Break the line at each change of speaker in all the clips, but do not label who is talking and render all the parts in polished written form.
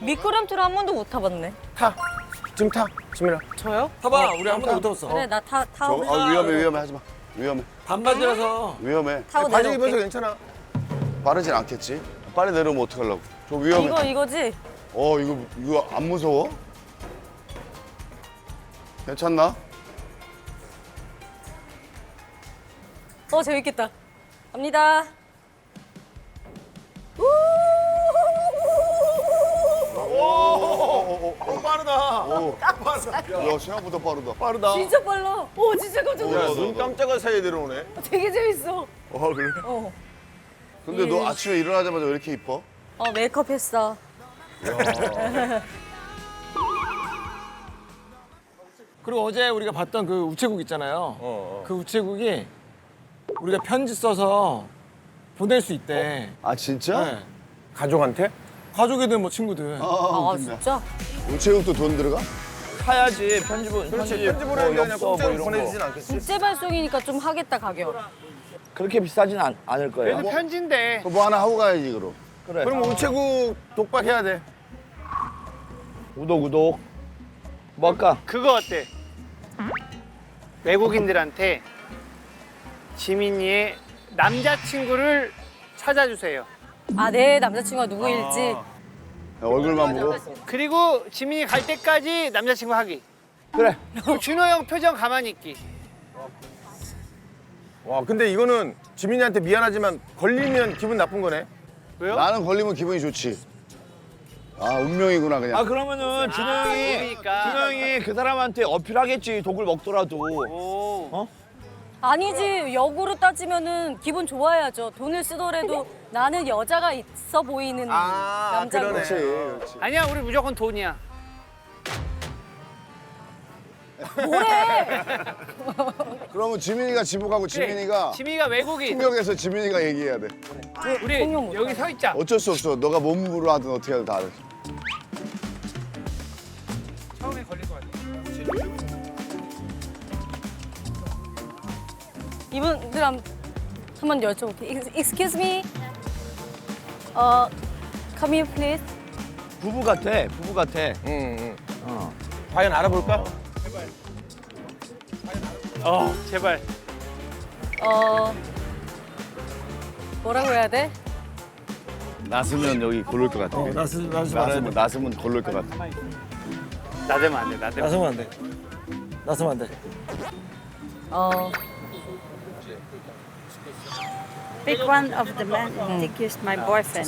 미끄럼틀을 한 번도 못 타봤네.
타. 지금 타. 지민아.
저요?
타봐. 우리 한 번도 못 타봤어.
그래 나 타고
위험해 하지 마. 위험해.
반바지라서.
위험해.
타고
바지 입어서
내려올게.
괜찮아.
빠르진 않겠지. 빨리 내려오면 어떡하려고. 저 위험해.
이거지?
이거 안 무서워? 괜찮나?
재밌겠다. 갑니다.
빠르다.
야, 생각보다 빠르다.
빠르다.
진짜 빨라. 진짜 깜짝
야,
놀랐어.
눈 깜짝할 사이에 내려오네.
되게 재밌어.
그래?
어.
근데 너 아침에 일어나자마자 왜 이렇게 이뻐?
메이크업 했어.
그리고 어제 우리가 봤던 그 우체국 있잖아요. 그 우체국이 우리가 편지 써서 보낼 수 있대.
아, 진짜?
네.
가족한테?
가족이든 뭐 친구들.
웃긴다.
진짜?
우체국도 돈 들어가?
사야지 편집은
그렇지. 편지 보내는데 그냥
엽서 뭐
공짜로
이런
보내주진
거.
않겠지.
국제 발송이니까 좀 하겠다 가격.
그렇게 비싸진 않을 거예요.
그래도 편지인데.
그거 뭐 하나 하고 가야지, 그럼.
그래.
그럼 우체국 독박해야 돼.
구독. 뭐 할까?
그거 어때? 외국인들한테 지민이의 남자친구를 찾아주세요.
내 남자친구가 누구일지.
야, 얼굴만 보고.
그리고 지민이 갈 때까지 남자친구 하기.
그래.
그리고 준호 형 표정 가만히 있기.
와, 근데 이거는 지민이한테 미안하지만 걸리면 기분 나쁜 거네.
왜요?
나는 걸리면 기분이 좋지. 운명이구나, 그냥.
아 그러면은 준호 형이
모르니까.
준호 형이 그 사람한테 어필하겠지 독을 먹더라도.
오.
아니지. 역으로 따지면은 기분 좋아야죠. 돈을 쓰더라도 나는 여자가 있어 보이는 남자고.
그러네.
그렇지.
아니야, 우리 무조건 돈이야.
뭐래?
그러면 지민이가 지목하고 지민이가
지민이가 외국인.
통역에서 지민이가 얘기해야 돼.
우리
통역 못해.
여기 서 있자.
어쩔 수 없어. 너가 몸으로 하든 어떻게 하든 다 알아.
처음에 걸릴 것 같아.
이분들 한번 여쭤볼게. Excuse me. Come here, please.
부부 같아.
응. 과연 알아볼까?
제발.
뭐라고 해야 돼?
나서면 여기 고를 것 같아. 나서면 고를 것 같아.
나대면 안 돼, 나대면.
나서면 안 돼. 나서면 안 돼.
Pick one of the men and think he's my boyfriend.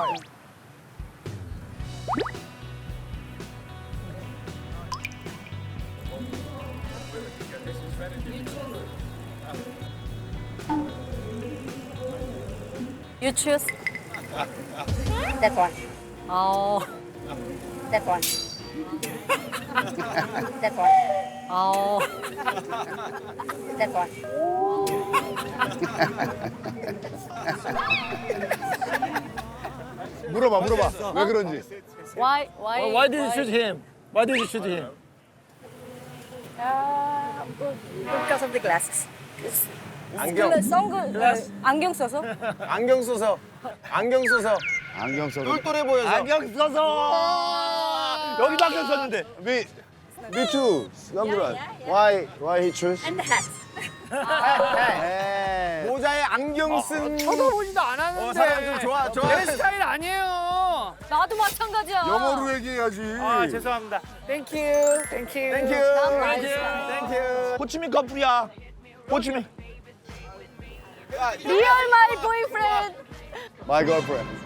You choose.
That one. That one. That one. That one.
물어봐. 왜 그런지.
Why
Why did you shoot him? Why did you shoot him?
Because of the glasses.
안경.
안경 써서?
안경 써서.
안경 써서.
똘똘해 보여서.
안경 써서 여기도 안경 썼는데.
Me too. 선글라스. Why he choose?
And the hat.
모자에 안경 쓴.
쳐다보지도 않았는데.
사람 좀 좋아.
내 스타일 아니에요.
나도 마찬가지야.
영어로 얘기해야지.
죄송합니다. 땡큐.
땡큐.
호치민 커플이야. 호치민.
Real my boyfriend.
My girlfriend.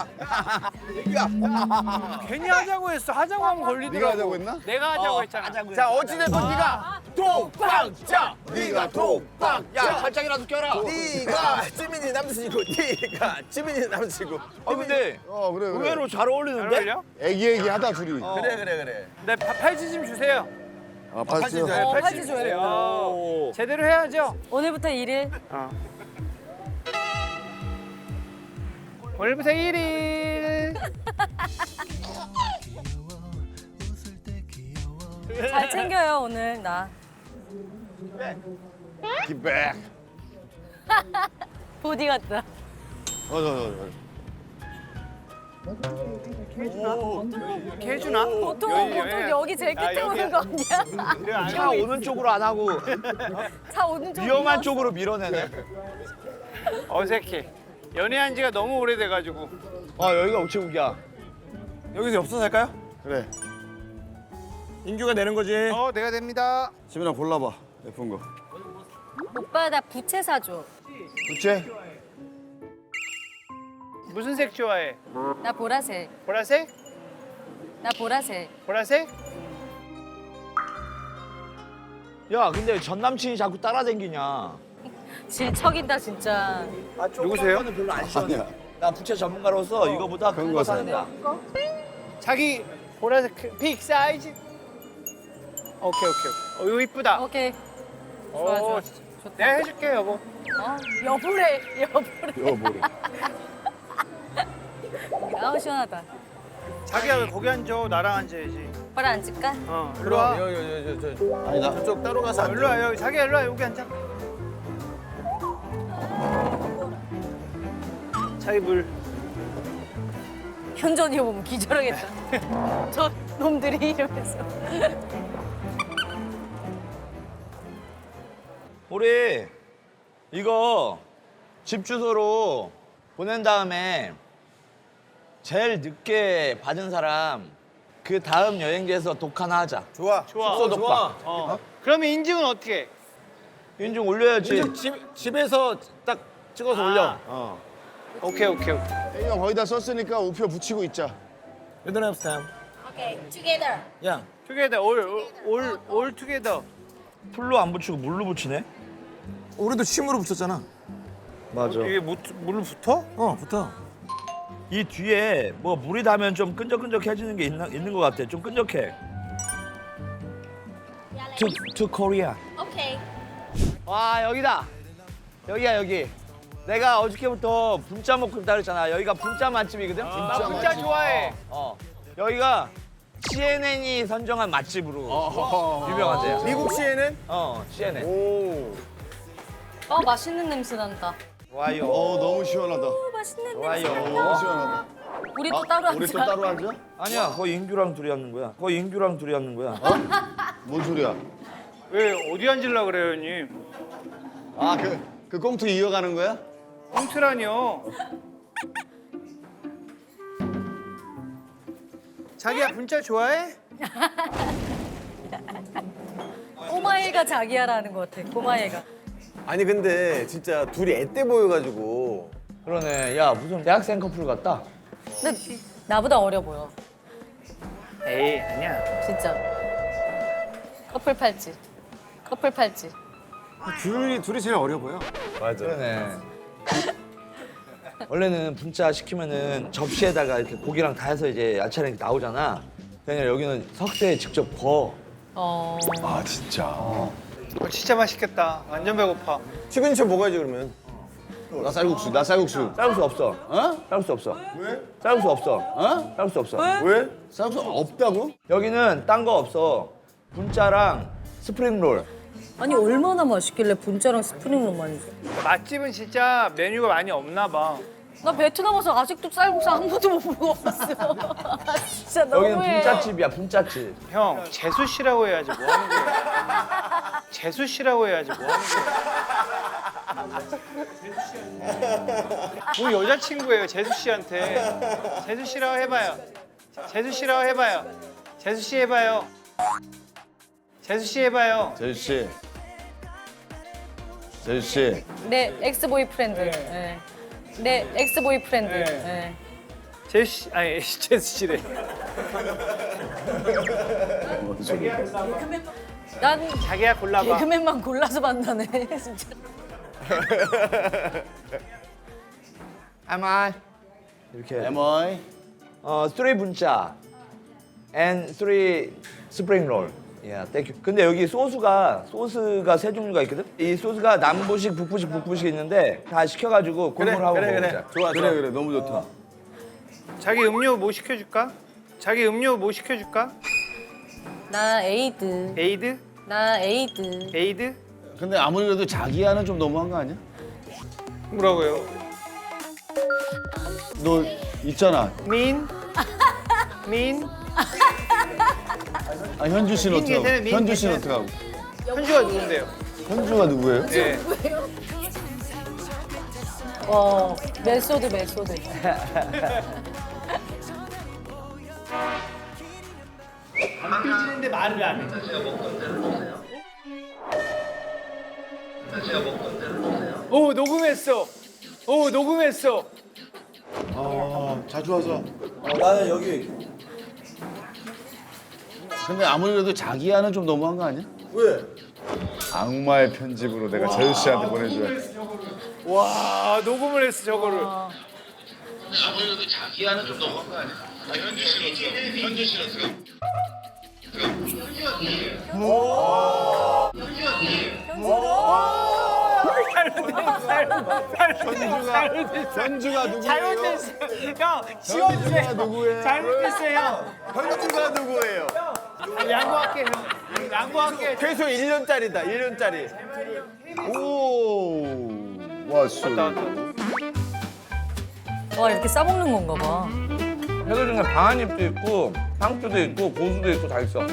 괜히 하자고 했어. 하자고 하면 걸리더라고.
네가 하자고 했나?
내가 하자고 했잖아.
자, 어찌됐든 네가 독박자. 네가 독박.
야 살짝이라도 껴라.
네가 지민이 남자친구. 네가 지민이 남자친구.
근데
그래.
의외로 잘
잘
어울리는데?
어울려?
애기하다 둘이.
그래.
네, 팔찌 좀 주세요.
팔찌.
팔찌 줘요.
제대로 해야죠.
오늘부터 1일.
오늘부터 1일.
잘 챙겨요 오늘 나.
Get back.
보디 같다.
저.
이렇게 해주나?
보통 여기 제일 끝에 오는 거 아니야?
차 오는 쪽으로 안 하고
차 오는 쪽
위험한 쪽으로 밀어내네.
어색해. 연애한 지가 너무 오래돼가지고.
여기가 우체국이야.
여기서 엽서 살까요?
그래.
인규가 내는 거지.
내가 됩니다.
지민아 골라봐. 예쁜 거.
오빠 나 부채 사줘.
부채?
무슨 색 좋아해?
나 보라색.
보라색?
나 보라색.
보라색?
야, 근데 왜 전 남친이 자꾸 따라다니냐?
질척인다 진짜.
누구세요?
별로 안 시원해. 나 부채 전문가로서 이거보다 큰 거 사는다.
자기 보라색 픽 사이즈. 오케이. 이거 이쁘다.
오케이. 좋아 좋아.
내가 해줄게 여보.
여보래.
이거 뭐래?
아우 시원하다.
자기야 왜 거기 앉아? 나랑 앉아야지.
오빠랑 앉을까?
일로 와.
아니 나 저쪽 따로 가서 앉아.
일로 와 여기. 자기야 일로 와 여기 앉아. 자기 물.
현전이 보면 기절하겠다. 저 놈들이 이러면서.
우리 이거 집 주소로 보낸 다음에 제일 늦게 받은 사람 그 다음 여행지에서 독 하나 하자.
좋아.
숙소 독박.
그러면 인증은 어떻게 해?
인증 올려야지.
집에서 딱 찍어서 올려.
오케이.
혜영 거의 다 썼으니까 우표 붙이고 있자.
You don't have time.
오케이, together.
야,
투게더 올 투게더.
풀로 안 붙이고 물로 붙이네.
우리도 침으로 붙였잖아.
맞아.
이게 물 붙어?
붙어.
이 뒤에 뭐 물이 닿으면 좀 끈적끈적해지는 게 있는 것 같아. 좀 끈적해. To Korea.
오케이.
와 여기다. 여기야 여기. 내가 어저께부터 분짜 먹고 있다 그랬잖아. 여기가 분짜 맛집이거든.
나 진짜 좋아해.
여기가 CNN이 선정한 맛집으로 유명하대요.
미국 시에는?
CNN.
오.
맛있는 냄새 난다.
와요.
너무 시원하다.
맛있는
좋아요.
냄새
너무
난다.
시원하다.
우리 또 따로 앉자.
우리 또 따로 앉아?
아니야, 거의 인규랑 둘이 앉는 거야.
뭔 소리야?
왜 어디 앉으려 그래요, 형님?
아 그 꽁트 이어가는 거야?
꽁트라니요. 자기야 분짜 좋아해?
꼬마애가 자기야라는 것 같아. 꼬마애가.
아니 근데 진짜 둘이 앳돼 보여가지고.
그러네. 야, 무슨 대학생 커플 같다.
근데 나보다 어려 보여.
에이 아니야.
진짜. 커플 팔찌.
둘이 제일 어려 보여.
맞아.
그러네. 원래는 분짜 시키면은 접시에다가 이렇게 고기랑 다 해서 이제 야채랑 이렇게 나오잖아. 그냥 여기는 석쇠에 직접 구워.
아 진짜.
진짜 맛있겠다. 완전 배고파.
시그니처 먹어야지 그러면. 나 쌀국수.
쌀국수 없어. 쌀국수 없어.
왜?
쌀국수 없어. 쌀국수 없어.
왜? 쌀국수 없다고?
여기는 딴 거 없어. 분짜랑 스프링롤.
아니 얼마나 맛있길래 분짜랑 스프링롤만 줘.
맛집은 진짜 메뉴가 많이 없나 봐.
나 베트남 와서 아직도 쌀국수 한 번도 못 먹어봤어. 진짜
여기는
너무해.
분짜집이야, 분짜집.
형 재수 씨라고 해야지 뭐 하는 거야? 재수 씨라고 해야지 뭐 하는 거야? 우리 여자친구예요 재수 씨한테. 재수 씨라고 해봐요. 재수 씨라고 해봐요. 재수 씨 해봐요. 재수 씨 해봐요.
제주 씨.
내 엑스 보이프렌드. 네. 내 엑스 보이프렌드. 네.
재수 씨 아니 재수 씨래.
난
자기야 골라봐.
개그맨만 골라서 만나네 진짜.
Am I? 이렇게.
에머이.
3 분짜 and 3 스프링 롤. 야, 땡큐. 근데 여기 소스가 세 종류가 있거든. 이 소스가 남부식, 북부식 있는데 다 시켜가지고 골고루 하고 먹자.
좋아. 그래. 너무 좋다.
자기 음료 뭐 시켜줄까? 자기 음료 뭐 시켜줄까?
나 에이드.
에이드?
나 에이드.
에이드?
근데 아무리 그래도 자기야는 좀 너무한 거 아니야?
뭐라고요?
너
있잖아.
민.
아, 현주 씨는
민
어떡하고?
괜찮아요, 민
현주 씨는
괜찮아요.
어떡하고?
현주가 누군데요?
현주가 누구예요?
네.
메소드.
안 삐지는데 말을 안 해. 오 녹음했어.
자주 와서.
나는 여기
근데 아무리 그래도 자기야는 좀 너무한 거 아니야?
왜?
악마의 편집으로 내가 재수 씨한테 보내줘야.
와 녹음을 했어 저거를.
현주가 누구예요?
잘못했어. 형 지워주세요.
누구예요?
잘못했어요.
현주가 누구예요?
형. 양보할게 형. 양보할게.
최소 1년짜리다. 1년짜리.
오, 왔어.
와, 이렇게 싸먹는 건가 봐.
회도 중에 방한잎도 있고 상추도 있고 고수도 있고 다 있어.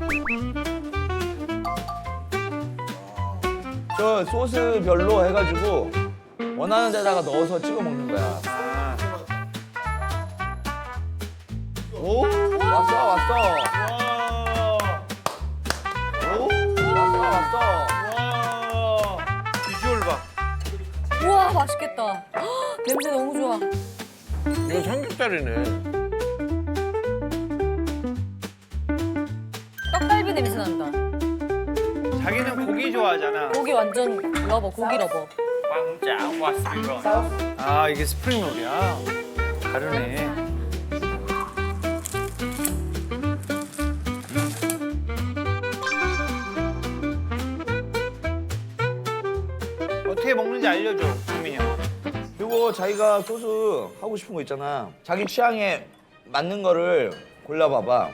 저 소스별로 해가지고 원하는 데다가 넣어서 찍어 먹는 거야. 오 왔어. 오 왔어.
비주얼 봐.
우와, 맛있겠다. 헉, 냄새 너무 좋아.
이거 삼겹살이네.
떡갈비 냄새 난다.
자기는 고기 좋아하잖아.
고기 완전 러버, 고기 러버.
왕짱 왔습니다. 아 이게 스프링롤이야. 다르네. 어떻게 먹는지 알려줘, 국민이 형.
그리고 자기가 소스 하고 싶은 거 있잖아. 자기 취향에 맞는 거를 골라봐봐.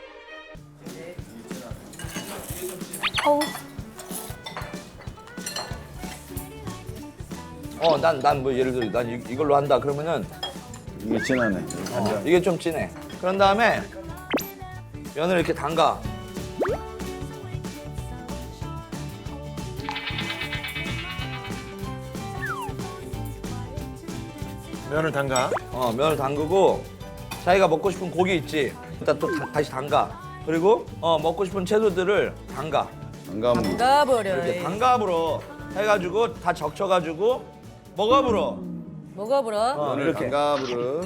난 뭐 예를 들어 난 이걸로 한다 그러면은
이게 진하네.
이게 좀 진해. 그런 다음에 면을 이렇게 담가.
면을 담가.
면을 담그고 자기가 먹고 싶은 고기 있지. 일단 또 다시 담가. 그리고 먹고 싶은 채소들을 담가.
안 가면
가버려.
이렇게 담가불어 해가지고 다 적셔가지고 먹어불어.
먹어보라.
면을
이렇게.
담가부르.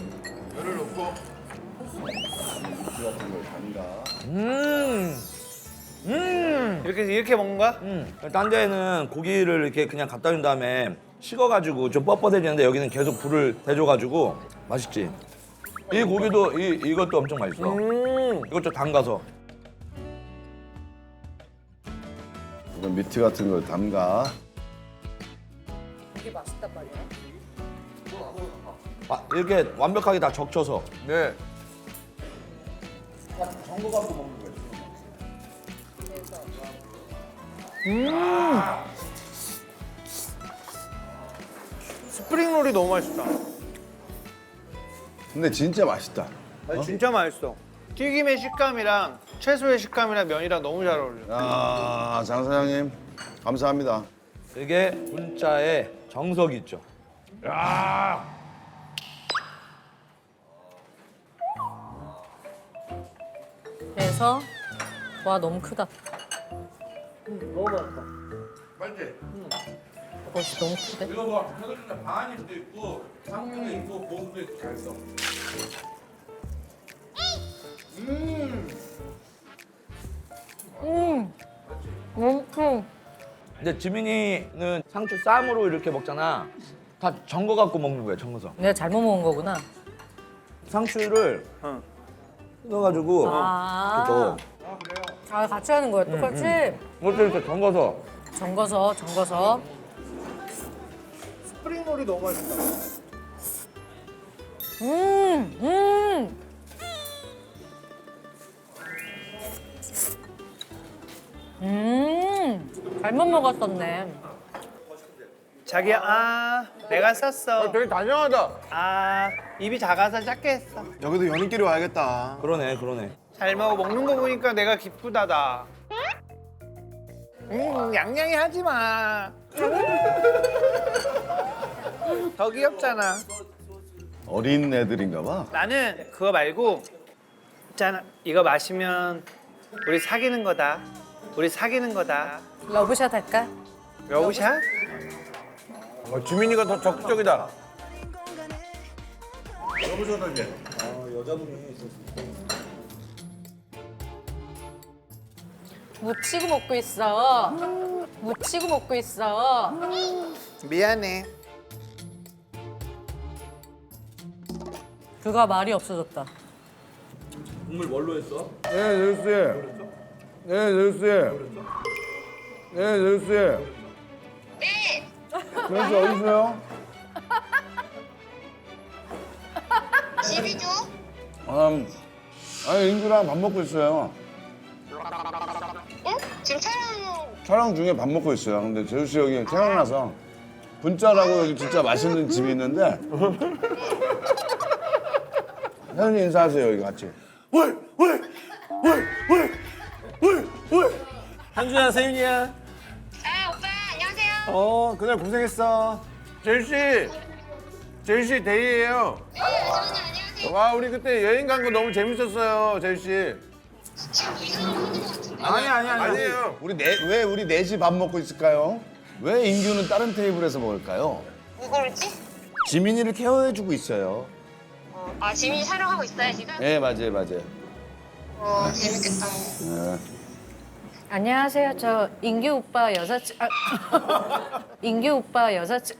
이렇게 먹는 거야?
딴 데는 고기를 이렇게 그냥 갖다 준 다음에 식어가지고 좀 뻣뻣해지는데 여기는 계속 불을 대줘가지고 맛있지. 이 고기도 이것도 엄청 맛있어. 이것 좀 담가서.
이건 미트 같은 걸 담가.
이게 맛있단 말이야.
이렇게 완벽하게 다 적셔서.
네.
스프링롤이 너무 맛있다.
근데 진짜 맛있다.
진짜 맛있어. 튀김의 식감이랑 채소의 식감이랑 면이랑 너무 잘 어울려.
아, 장 사장님 감사합니다.
이게 분짜의 정석이 있죠.
그래서 와 너무 크다.
맛있지?
멋이 너무 크대.
이거 뭐 회도 중에 방한잎도 있고 상추도 있고 고수도 있고 다 있어. 근데 지민이는 상추 쌈으로 이렇게 먹잖아. 다 정거 갖고 먹는 거야, 정거서.
내가 잘못 먹은 거구나.
상추를 넣어가지고
아, 아 같이 하는 거야 똑같이.
이것도 이렇게 정거서.
정거서.
스프링롤이 너무 맛있다.
잘못 먹었었네.
자기야, 내가 쌌어.
되게 다정하다.
입이 작아서 작게 했어.
여기도 연인끼리 와야겠다.
그러네, 그러네.
잘 먹어. 먹는 거 보니까 내가 기쁘다, 나. 양양이 하지 마. 더 귀엽잖아.
어린 애들인가 봐.
나는 그거 말고 있잖아. 이거 마시면 우리 사귀는 거다. 우리 사귀는 거다.
러브샷 할까?
러브샷?
지민이가 더 적극적이다.
묻히고 먹고 있어. 묻히고 먹고 있어.
미안해.
그가 말이 없어졌다.
네, 제수 씨. 네, 제수 씨. 네, 제수 씨. 네. 제수 씨 어디 있어요?
집이죠?
아니 인규랑 밥 먹고 있어요.
응? 지금
촬영 중에 밥 먹고 있어요. 근데 제수 씨 여기 태어나서 분짜라고 여기 진짜 맛있는 집이 있는데 혜연이 인사하세요 여기 같이.
한주야, 세윤이야.
아 오빠 안녕하세요.
그날 고생했어.
제수 씨 데이예요.
네 아주머니 안녕하세요.
와 우리 그때 여행 간 거 너무 재밌었어요, 제수 씨.
지금 이상한 거 하는 것 같은데.
아니에요.
왜 우리 넷이 밥 먹고 있을까요? 왜 인규는 다른 테이블에서 먹을까요?
왜 그러지?
지민이를 케어해주고 있어요.
아 지민이 촬영하고 있어요 지금?
네 맞아요 맞아요.
재밌겠다.
네.
안녕하세요. 저 인규 오빠 여자친 인규 오빠 여자친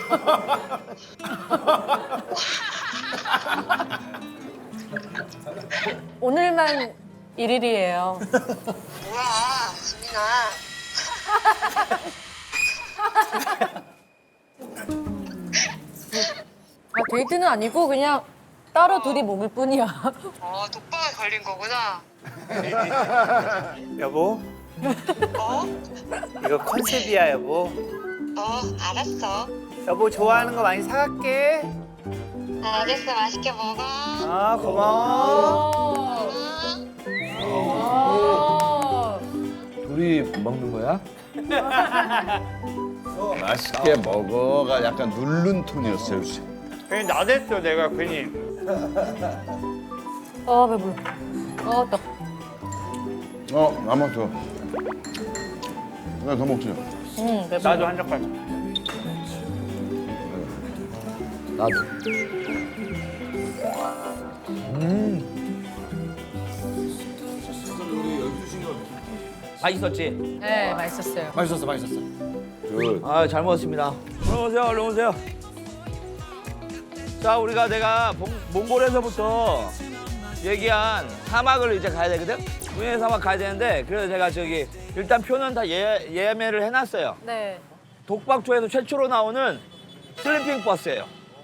오늘만 1일이에요.
뭐야 지민아.
데이트는 아니고 그냥 따로 둘이 먹을 뿐이야.
독방에 걸린 거구나.
여보,
어?
이거 컨셉이야, 여보.
알았어.
여보 좋아하는 거 많이 사갈게.
알겠어 맛있게 먹어.
아 고마워.
둘이 먹는 거야?
맛있게 먹어가 약간 누른 톤이었어요 씨.
괜히 나댔어 내가 괜히.
배불러. 또.
나만 줘. 내가 더 먹지.
배불러.
나도 한 젓갈.
나도. 맛있었지?
네, 맛있었어요.
맛있었어, 맛있었어.
아, 잘 먹었습니다. 얼른 오세요, 얼른 오세요. 자, 내가 몽골에서부터 얘기한 사막을 이제 가야 되거든? 문예 사막 가야 되는데, 그래서 제가 일단 표는 다 예매를 해놨어요.
네.
독박초에서 최초로 나오는 슬리핑 버스예요.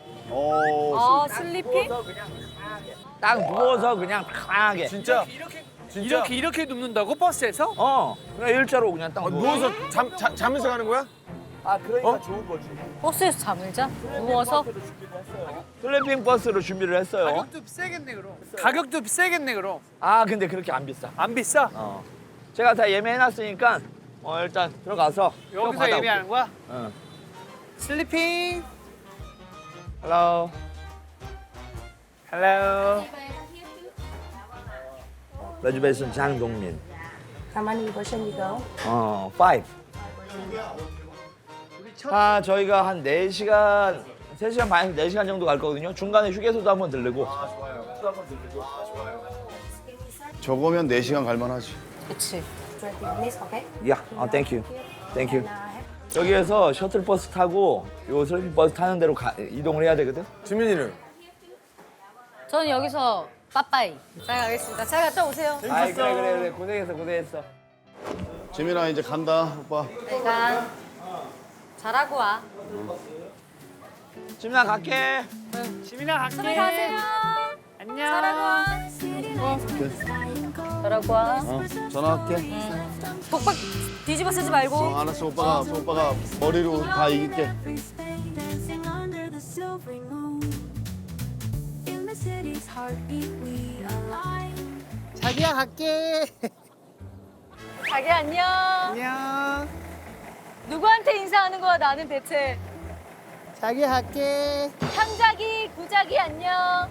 슬리핑?
딱 누워서 그냥 편하게.
진짜?
이렇게 눕는다고 버스에서?
그냥 일자로 그냥 딱
누워서 자면서 가는 거야?
아, 그러니까 좋은 거지.
버스에서 잠을 자? 누워서?
슬리핑 버스로 준비를 했어요.
가격도 세겠네 그럼. 가격도 세겠네 그럼.
아, 근데 그렇게 안 비싸.
안 비싸?
제가 다 예매해놨으니까 일단 들어가서
여기서 예매하는 거야?
응.
슬리핑.
헬로.
헬로.
레즈베이션 장동민.
How many person you go?
5. 저희가 한 4시간, 3시간 반에서 4시간 정도 갈 거거든요. 중간에 휴게소도 한번 들르고.
저거면 4시간 갈만하지.
그치.
20 minutes, okay?
야, 땡큐. 땡큐. 여기에서 셔틀버스 타고 요 슬리핑버스 타는 대로 이동을 해야 되거든.
지민이는?
저는 여기서 빠빠이. 잘 가겠습니다. 잘 갔다 오세요.
아이, 그래. 고생했어.
지민아 이제 간다 오빠.
내가 잘하고 와.
지민아 갈게.
지민아 갈게.
선배 가세요.
안녕.
잘하고 와. 잘하고 와.
전화할게.
독박 뒤집어 쓰지 말고.
알았어 오빠가 머리로 다 이길게.
자기야 갈게.
자기 안녕.
안녕.
누구한테 인사하는 거야 나는 대체.
자기야 갈게.
삼자기, 구자기 안녕.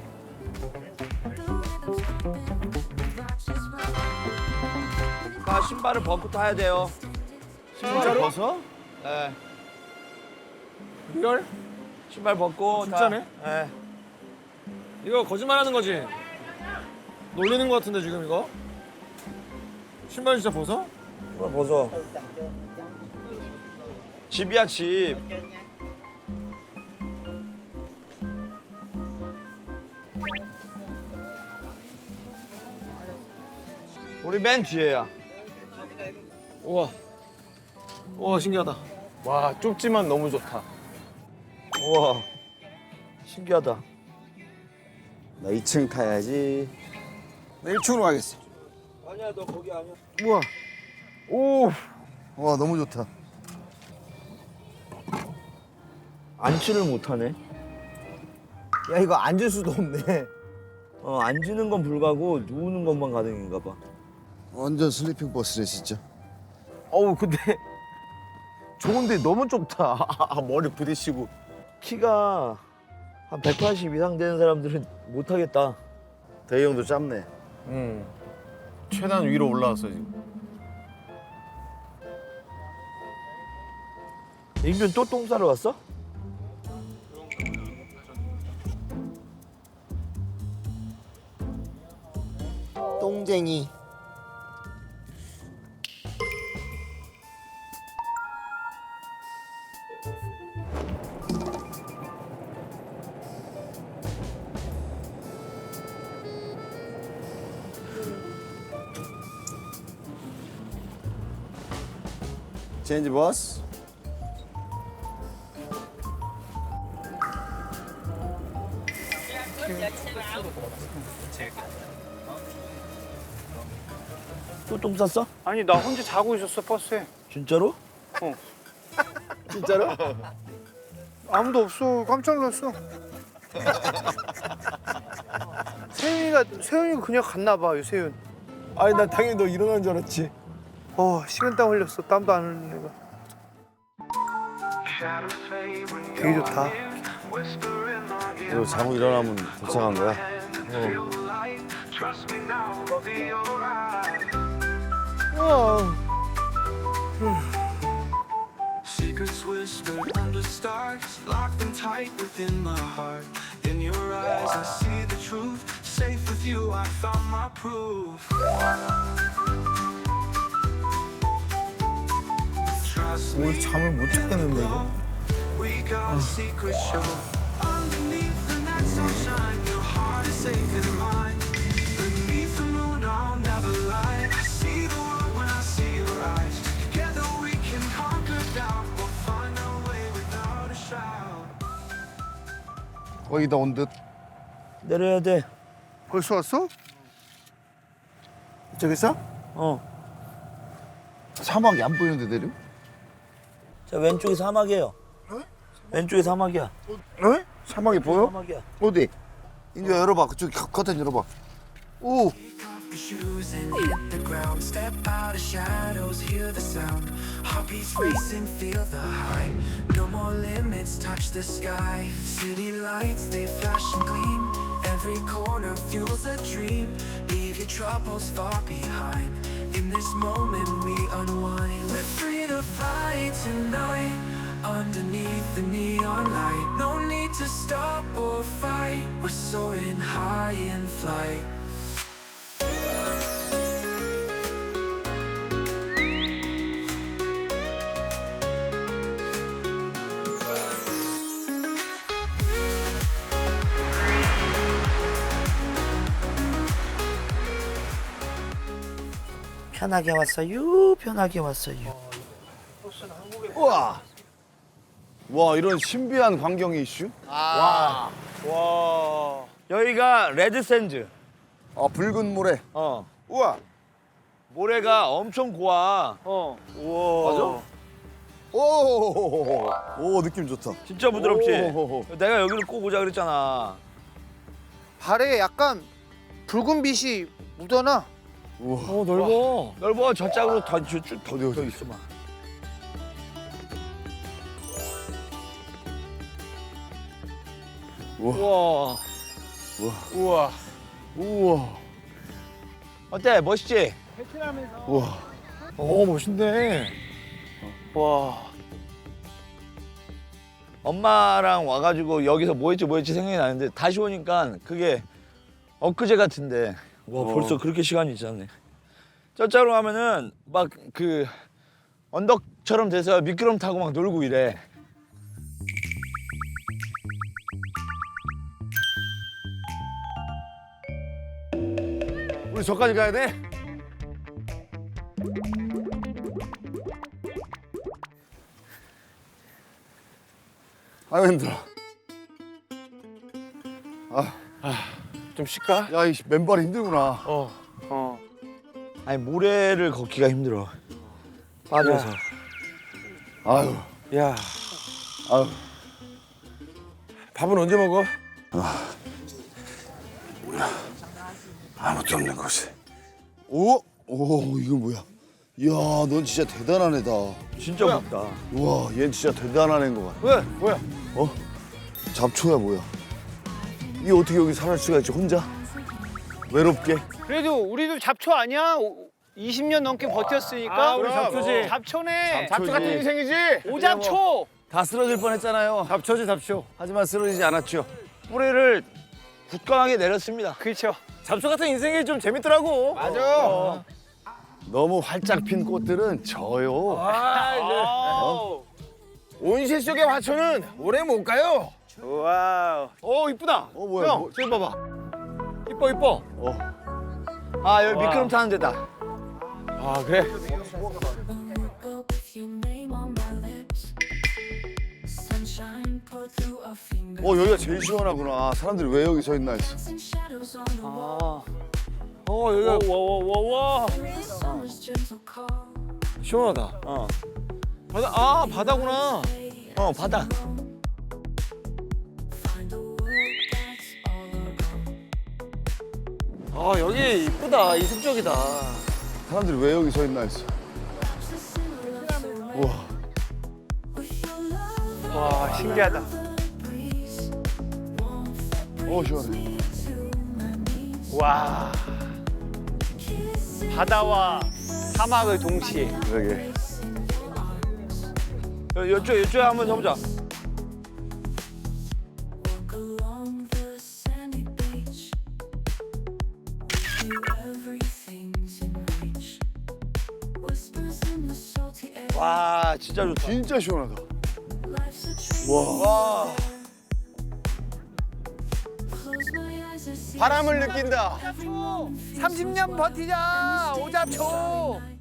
아, 신발을 벗고 타야 돼요.
진짜로? 벗어?
네.
리얼?
신발 벗고.
진짜네?
네.
이거 거짓말하는 거지? 놀리는 거 같은데 지금 이거? 신발 진짜 벗어?
신발 벗어. 집이야 집. 우리 맨 뒤에야.
우와. 우와 신기하다.
와 좁지만 너무 좋다.
우와. 신기하다.
나 2층 타야지.
나 1층으로 가겠어.
아니야 너 거기 아니야.
우와. 오.
와 너무 좋다.
앉지를 못하네.
야 이거 앉을 수도 없네.
앉는 건 불가고 누우는 것만 가능인가 봐.
완전 슬리핑 버스네 진짜.
어우 근데 좋은데 너무 좁다. 머리 부딪히고.
키가 한 180 이상 되는 사람들은 못 하겠다.
대희 형도 짧네.
최대한 위로 올라왔어 지금.
인균 또 똥 싸러 갔어?
똥쟁이. 체인지 버스.
또 똥 쌌어?
아니 나 혼자 자고 있었어 버스에.
진짜로?
진짜로?
아무도 없어. 깜짝 놀랐어. 세윤이가 그냥 갔나 봐. 세윤.
아니 나 당연히 너 일어나는 줄 알았지.
식은땀 흘렸어. 땀도 안 흘리는 거. 되게 좋다.
그리고 자고 일어나면 도착한 거야.
Secrets whispered under stars, locked and tight within my heart. In your eyes, I see the truth. Safe with you, I found my proof. Trust me,
잠을 못 자겠는데 이거.
we got a secret show. Underneath the night sunshine, your heart is safe in mine. Beneath the moon, I'll never lie. I see the world when I see your eyes. Together we can conquer doubt. We'll find our way without a shout.
거의 다 온 듯.
내려야 돼.
벌써 왔어?
저기 있어? 사막이 안 보이는데 내려?
자 왼쪽이 사막이에요. 왼쪽이 사막이야.
에? 사막이 보여?
사막이야.
어디? 인조 열어봐. 그쪽 커튼 열어봐. 오.
Take off your shoes and hit the ground. Step out of shadows, hear the sound. Heartbeats racing, feel the high. No more limits, touch the sky. City lights, they flash and gleam. Every corner fuels a dream. Leave your troubles far behind. In this moment we unwind. We're free to fly tonight. Underneath the neon light. No need to stop or fight. We're soaring high in flight.
편하게 왔어요. 편하게 왔어요.
우와. 와 이런 신비한 광경이 이슈?
여기가 레드샌드.
붉은 모래.
우와. 모래가 엄청 고와.
오, 오 느낌 좋다.
진짜 부드럽지?
오호호.
내가 여기를 꼭 오자 그랬잖아.
발에 약간 붉은 빛이 묻어나.
넓어.
넓어. 저 짝으로 더 있어 봐.
우와.
우와.
우와.
어때? 멋있지?
우와.
멋있네.
와.
엄마랑 와가지고 여기서 뭐 했지 생각이 나는데 다시 오니까 그게 엊그제 같은데 와 벌써 그렇게 시간이 지났네. 저 짝으로 가면은 막 그 언덕처럼 돼서 미끄럼 타고 막 놀고 이래.
우리 저까지 가야 돼? 아유 힘들어.
좀 쉴까?
야, 이 맨발이 힘들구나.
아니 모래를 걷기가 힘들어. 빠져서.
아유,
야.
아유.
밥은 언제 먹어?
아무도 없는 곳에. 오? 오, 이건 뭐야? 이야, 넌 진짜 대단한 애다.
진짜 무섭다.
우와, 얘는 진짜 대단한 애인 것 같아.
왜? 뭐야?
잡초야, 뭐야? 이 어떻게 여기 살할 수가 있지, 혼자? 외롭게?
그래도 우리도 잡초 아니야? 20년 넘게 버텼으니까.
아, 우리 잡초지.
잡초네.
잡초 같은 인생이지?
오잡초.
다 쓰러질 뻔했잖아요.
잡초지, 잡초.
하지만 쓰러지지 않았죠.
뿌리를 굳건하게 내렸습니다.
그렇죠.
잡초 같은 인생이 좀 재밌더라고.
맞아. 너무 활짝 핀 꽃들은 져요.
온실 속의 화초는 오래 못 가요.
와우.
이쁘다.
뭐야?
형, 저기 봐봐. 이뻐, 이뻐.
아 여기 미끄럼 타는 데다.
아, 그래?
여기가 제일 시원하구나. 사람들이 왜 여기 서 있나 했어.
여기가
와와와와.
시원하다. 바다구나.
바다.
여기 이쁘다. 이색적이다.
사람들이 왜 여기 서 있나 했어. 우와.
와 신기하다.
시원해.
와. 바다와 사막을 동시에.
그러게.
이쪽에 한번 해보자. 와 진짜 좋다.
진짜 시원하다.
와.
바람을 느낀다.
30년 버티자 오잡초.